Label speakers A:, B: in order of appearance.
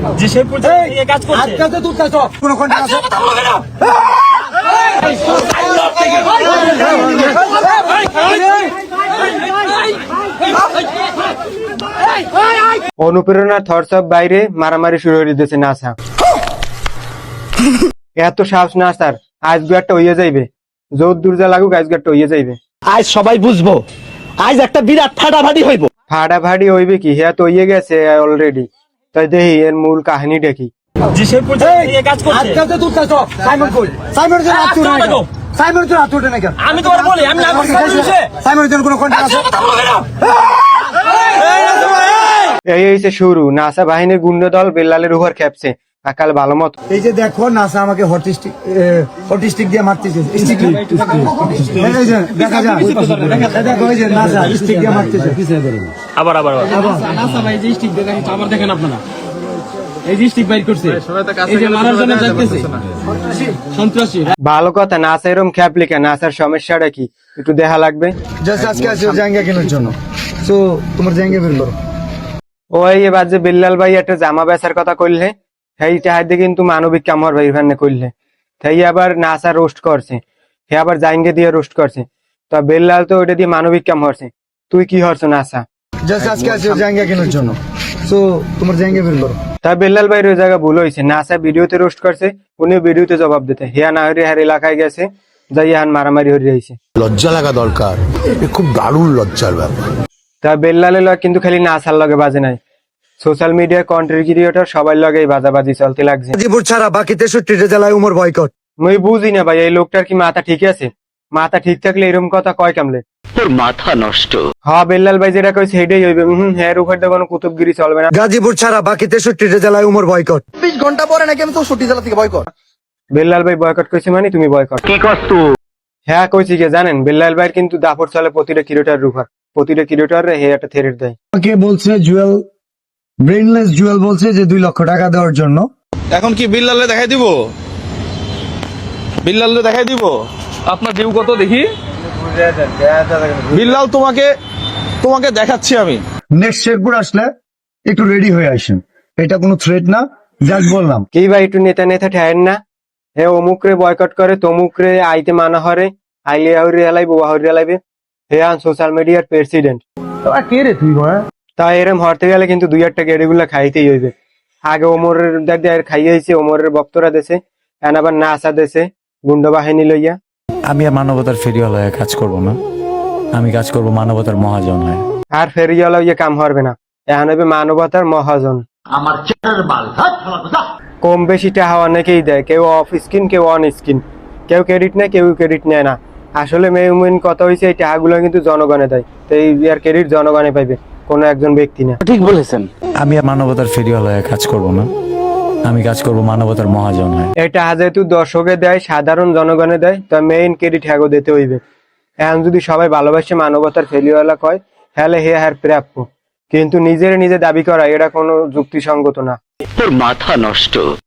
A: যে সেই পর্যায়ে এই কাজ করছে
B: আজকে তুই চাইছ কোন কোন আছে
C: অনুপ্রেরণার থরসব বাইরে মারামারি শুরু হয়ে দিতেছে নাসা। এত সাহস না স্যার, আজকে একটা হইয়া যাইবে, জোর দুর্জা লাগুক আজকে একটা হইয়া যাইবে।
A: আজ সবাই বুঝবো, আজ একটা বিরাট ফাটাফাটি হইব।
C: ফাটাফাটি হইবে কি, হ্যাঁ তো হইয়া গেছে অলরেডি। তাই দেখি এর মূল কাহিনীটা কি।
A: যে সেই পর্যায়ে এই কাজ করছে
B: আজকে তুই চাইছ সাইমন কই সাইমনের জন্য আত্মুর না সাইমনের জন্য আত্মুর না কেন
A: আমি তোমার বলি আমি না
B: সাইমনের জন্য কোন কোন আছে
C: এই হইছে শুরু। নাসা বাহিনীর গুন্ড দল বেল্লালের উপর খেপছে আকাল ভালো মত।
B: এই যে দেখো নাসা আমাকে হটিস্টিক দিয়ে মারতেছে স্টিক এই যে দেখা যায় দেখো এই যে নাসা স্টিক দিয়ে মারতেছে
A: আবার
D: নাসা ভাই যে স্টিক দেখাই আবার দেখেন আপনারা এই যে স্টিক বাইর করছে এই যে মারার জন্য যাইতেছে সন্ত্রাসী।
C: ভালো কথা, নাসা এরকম খেপলি কেন? নাসার সমস্যাটা কি একটু দেখা লাগবে।
B: জাস্ট আজকে আছে জায়গা কেনার জন্য তো তোমার জায়গা বের করো।
C: ওই এবার যে বিল্লাল ভাই একটা জামা বেচার কথা কইলে, সেই চাহাদে কিন্তু মানবিক কামর ভাই ভান্নে কইলে, সেই আবার নাসা রোস্ট করছে, হে আবার জাইঙ্গে দিয়ে রোস্ট করছে। তো বিল্লাল তো ওইটা দিয়ে মানবিক কাম হরছে, তুই কি হরছ নাসা?
B: জাস্ট আজকে আছে জায়গা কেনার জন্য তো তোমার জায়গা বের করো।
C: তা বিল্লাল ভাইয়ের ওই জায়গা ভুল হয়েছে, নাসা ভিডিওতে রোস্ট করছে, উনি ভিডিওতে জবাব দিতে, হিয়া না হরি হার এলাকায় গেছে, যাই হান মারামারি হরি যাইছে।
E: লজ্জা লাগা দরকার, খুব দারুণ লজ্জার ব্যাপার।
C: তা বিল্লালের লগে কিন্তু খালি নাসার লগে বাজে নাই, সোশ্যাল মিডিয়ার কন্টেন্ট ক্রিয়েটর সবার লগেই বাজাবাজি চলতে লাগছে।
B: গাজীপুর ছাড়া বাকি 63টা জেলায় উমর বয়কট।
C: মুই বুঝি না ভাই, এই লোকটার কি মাথা ঠিক আছে? মাথা ঠিক থাকলে এরকম কথা কয় কামলে?
F: তোর মাথা নষ্ট।
C: হ্যাঁ বেল্লাল ভাই যেটা কইছে সেটাই হইবে। হ্যাঁ উপর দিয়ে কোনো কুতুবগিরি চলবে না।
B: গাজীপুর ছাড়া বাকি 63টা জেলায় উমর বয়কট।
G: 20 ঘন্টা পরে নাকি আমি 64 জেলা থেকে বয়কট।
C: বেল্লাল ভাই বয়কট কইছে মানে তুমি বয়কট
F: কি করছ?
C: হ্যাঁ কইছি কি জানেন, বেল্লাল ভাইয়ের কিন্তু দাপট চলে প্রতিটা ক্রিয়েটর উপর, প্রতিটা ক্রিয়েটর হে একটা থ্রেট দেয়।
B: আমাকে বলছে জুয়েল, ব্রেইনলেস জুয়েল বলছে যে 2 লক্ষ টাকা দেওয়ার জন্য।
H: এখন কি বিল্লালে দেখাই দিব? বিল্লালে দেখাই দিব আপনার ডিউ কত দেখি। বিল্লাল তোমাকে দেখাচ্ছি আমি।
B: নেক্সট শেরপুর আসলে একটু রেডি হয়ে আসেন, এটা কোনো থ্রেট না, জাস্ট বললাম।
C: কি ভাই একটু নেতা নেতা ঠেয়েন না? হে অমুক রে বয়কট করে, তমুক রে আইতে মানা হরে, আইলে হরি হেলাইবে ওয়া হরি হেলাইবে। হে আন সোশ্যাল মিডিয়ার প্রেসিডেন্ট।
B: কে রে তুই ভাই?
C: তা এরম হরতে গেলে কিন্তু 2-1টা গেড়িগুলা খাইতেই হইবে। আগে ওমরের দাদি আর খাইয়েছে, ওমরের বক্তরা দেশে, এখন আবার নাসা দেশে গুন্ড বাহিনী লইয়া।
I: আমি আর মানবতার ফেরিওয়ালা হয়ে কাজ করব না, আমি কাজ করব মানবতার মহাজন হয়ে।
C: আর ফেরিওয়ালা ইয়ে কাম হরবে না, এখন হইবে মানবতার মহাজন। কম বেশি টাকা অনেকেই দেয়, কেউ অফ স্ক্রিন কেউ অন স্ক্রিন, কেউ ক্রেডিট নেয় কেউ ক্রেডিট নেয় না। আসলে মেইন কথা হয়েছে এই টাকাগুলো কিন্তু জনগণে দেয়, তো এই আর ক্রেডিট জনগণে পাইবে, কোনো একজন ব্যক্তি না।
F: ঠিক বলেছেন।
I: আমি আর মানবতার ফেরিওয়ালা হয়ে কাজ করব না, আমি কাজ করব মানবতার মহাজন হয়ে।
C: এই টাকা যেহেতু দর্শকে দেয়, সাধারণ জনগণে দেয়, তো মেইন ক্রেডিট হ্যাগো দিতে হইবে। এখন যদি সবাই ভালোবাসে মানবতার ফেরিওয়ালা কয়, হ্যালে হে হ্যার প্রাপ্য, কিন্তু নিজে দাবি করা এটা কোনো যুক্তিসঙ্গত না।
F: তোর মাথা নষ্ট।